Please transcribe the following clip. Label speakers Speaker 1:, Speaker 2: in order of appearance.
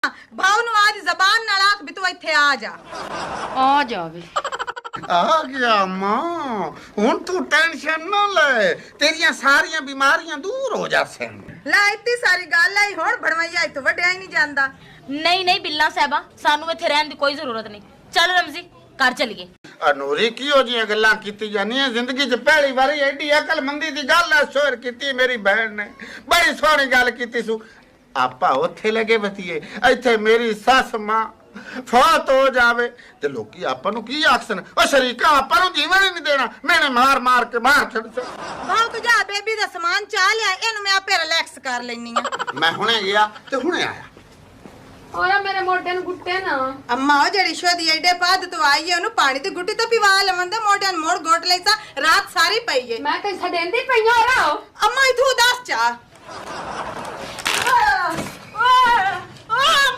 Speaker 1: भाव नु आज जबान नाल आख भी तू इत्थे आ
Speaker 2: जावे
Speaker 3: आ गया मां हुन तू टेंशन ना ले तेरियां सारियां बीमारियां दूर हो जासन
Speaker 1: ला इतनी सारी गल आई हुन भड़वैया तो वड्या ही नहीं जांदा
Speaker 2: नहीं बिल्ला साहबा सानू इत्थे रहन दी कोई जरूरत नहीं चल रमजी घर चलिए
Speaker 3: अनूरी किहो जियां गल्लां कीती जानियां जिंदगी च पहली बारी एडी अकलमंदी दी गल शेयर कीती मेरी बहन ने बड़ी सोहनी गल कीती सु आपा उत्थे लगे बतीए इत्थे मेरी सस मां फौत हो जावे ते लोकी आपा नु की आखसन ओ शरीका आपा नु जीवन ही नहीं देना मैंने मार मार के मार छड़ सा
Speaker 1: भाव तू जा बेबी दा सामान चा लिया इनु मैं आपे रिलैक्स कर लेनी आ
Speaker 3: मैं हुणे गया ते हुणे आया
Speaker 2: ओया मेरे मोढे नु गुट्टे ना
Speaker 1: अम्मा ओ जेड़ी शोदी एडे पाद तो आई है ओनु पानी दी गुट्टी तो पिवा लवंदे मोढे मोड़ गोट लेसा रात सारी पई है
Speaker 2: मैं ते छडेंदी पईया हो
Speaker 1: अम्मा इथू दस चा